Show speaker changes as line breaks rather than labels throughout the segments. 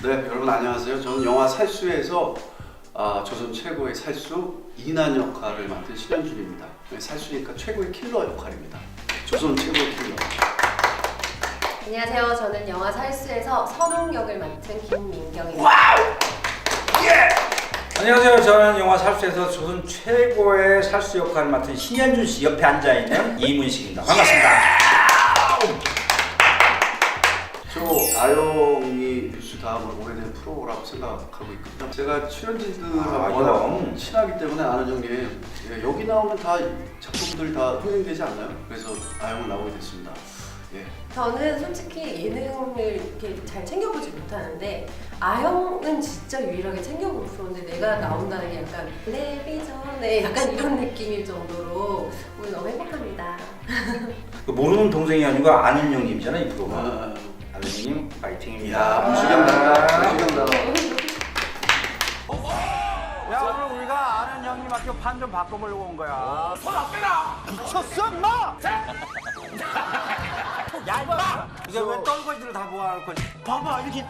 네, 여러분 안녕하세요. 저는 영화 살수에서 조선 최고의 살수 이난 역할을 맡은 신현준입니다. 살수니까 최고의 킬러 역할입니다. 조선 최고의 킬러.
안녕하세요. 저는 영화 살수에서 선홍 역을 맡은 김민경입니다.
와우! 예!
안녕하세요. 저는 영화 살수에서 조선 최고의 살수 역할을 맡은 신현준 씨 옆에 앉아 있는 이문식입니다. 반갑습니다.
저 아영이 뉴스 다음으로 오래된 프로라고 생각하고 있거든요. 제가 출연진들하고 워낙 친하기 때문에 아는 형님, 여기 나오는 다 작품들이 다 흥행되지 않나요? 그래서 아영을 나오게 됐습니다. 예.
저는 솔직히 예능을 이렇게 잘 챙겨보지 못하는데 아영은 진짜 유일하게 챙겨본 프로인데 내가 나온다는 게 약간 텔레비전에 약간 이런 느낌일 정도로 오늘 너무 행복합니다.
모르는 동생이 아니고 아는 형님이잖아요, 이 프로가. 아는 형님 파이팅입니다.
야, 무시경다. 무시경다.
야, 오늘 우리가 아는 형님한테 판 좀 바꿔보려고 온 거야. 손 안 빼라! 미쳤어, 인마! 야, 인마! 이게 왜 떨거지를 다 모아놓고 봐봐, 이렇게.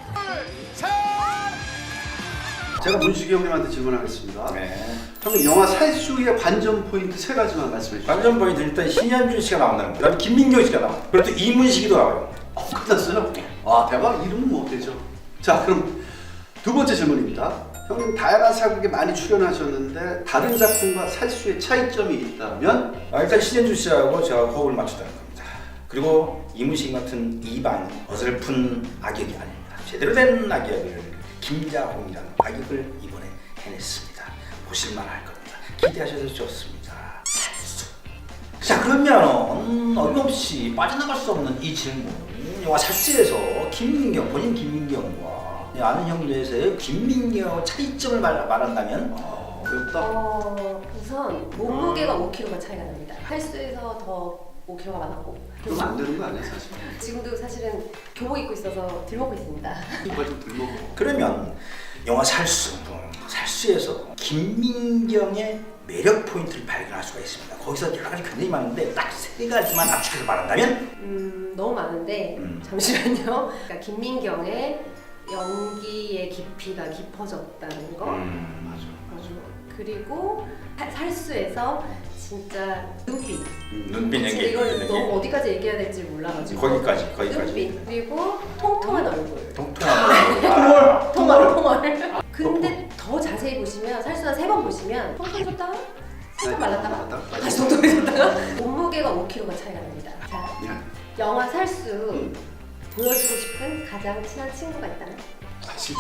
제가 문식이 형님한테 질문하겠습니다.
네.
형님, 영화 살수의 관전 포인트 3가지만 말씀해 주시죠.
관전 포인트 일단 신현준 씨가 나온다는 거예요. 그다음에 김민경 씨가 나와요. 그리고 또 이문식이도 나와요.
끝났어요? 와, 대박. 이름은 뭐 되죠? 자, 그럼 두 번째 질문입니다. 형님 다양한 사극에 많이 출연하셨는데 다른 작품과 살수의 차이점이 있다면?
일단 신현준 씨하고 제가 호흡을 맞췄다는 겁니다. 그리고 이문식 같은 이반 어설픈 악역이 아닙니다. 제대로 된 악역을 김자홍이라는 악역을 이번에 해냈습니다. 보실만할 겁니다. 기대하셔도 좋습니다. 살수. 자, 그러면 어김없이 빠져나갈 수 없는 이 질문. 영화 살수에서 김민경, 본인 김민경과 아는 형제에서의 김민경 차이점을 말한다면
어렵다.
우선 몸무게가 5kg가 차이가 납니다. 살수에서 더 5kg가 많았고
그러면 안 되는 거 아니야, 사실?
지금도 사실은 교복 입고 있어서 들먹고 있습니다.
이걸 좀 들먹어.
그러면 영화 살수에서 김민경의 매력 포인트를 발견할 수가 있습니다. 거기서 여러 가지 굉장히 많은데 딱 3가지만 압축해서 말한다면
너무 많은데 잠시만요. 그러니까 김민경의 연기의 깊이가 깊어졌다는 거.
맞아.
그리고 살수에서 진짜 눈빛.
눈빛 연기.
이걸 너무 어디까지 얘기해야 될지 몰라가지고.
거기까지.
눈빛 그리고 통통한 얼굴.
통통한
통얼. 근데 더 자세히 보시면 살수가 3번 보시면 통통해졌다가 살짝 말랐다가 다시 통통해졌다가 몸무게가 5kg가 차이가 납니다. 자, 영화 살수 보여주고 싶은 가장 친한 친구가 있다면?
40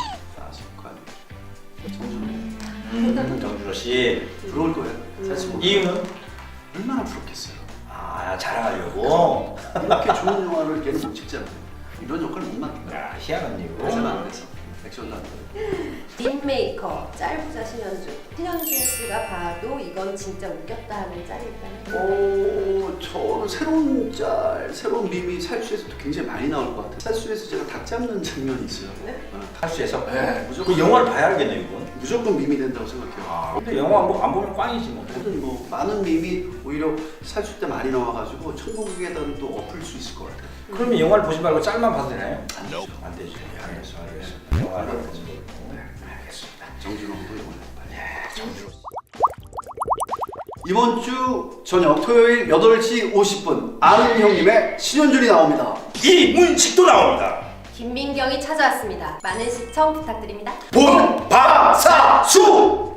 정준호 씨.
부러울 거예요. 사실
이유는?
얼마나 부럽겠어요.
자랑하려고.
이렇게 좋은 영화를 걔는 못 찍잖아요. 이런 역할을 못 맡는
야, 희한한 이유.
대사는 안 돼서 액션도 안 돼.
딥메이커 짤부자 신현준. 신현준 씨가 봐도 이건 진짜 웃겼다 하는 짤이 있다면?
저 새로운 새로운 밈이 살수에서도 굉장히 많이 나올 것 같아요. 살수에서 제가 닭 잡는 장면이 있어요.
네?
살수에서?
네, 무조건.
그 영화를 봐야 알겠네, 이건.
무조건 밈이 된다고 생각해요.
근데 영화 안 보면 꽝이지 뭐.
모든 많은 밈이 오히려 살수 때 많이 나와가지고 천국에다는 또 엎을 수 있을 것 같아요.
그러면 영화를 보지 말고 짤만 봐도 되나요?
안 되죠.
안 되죠. 알겠습니다. 영화를 보지 말고. 알겠습니다.
정준호도 영화.
정준호.
이번 주 저녁 토요일 8시 50분 아는 형님의 신현준이 나옵니다.
이문식도 나옵니다.
김민경이 찾아왔습니다. 많은 시청 부탁드립니다.
본방사수!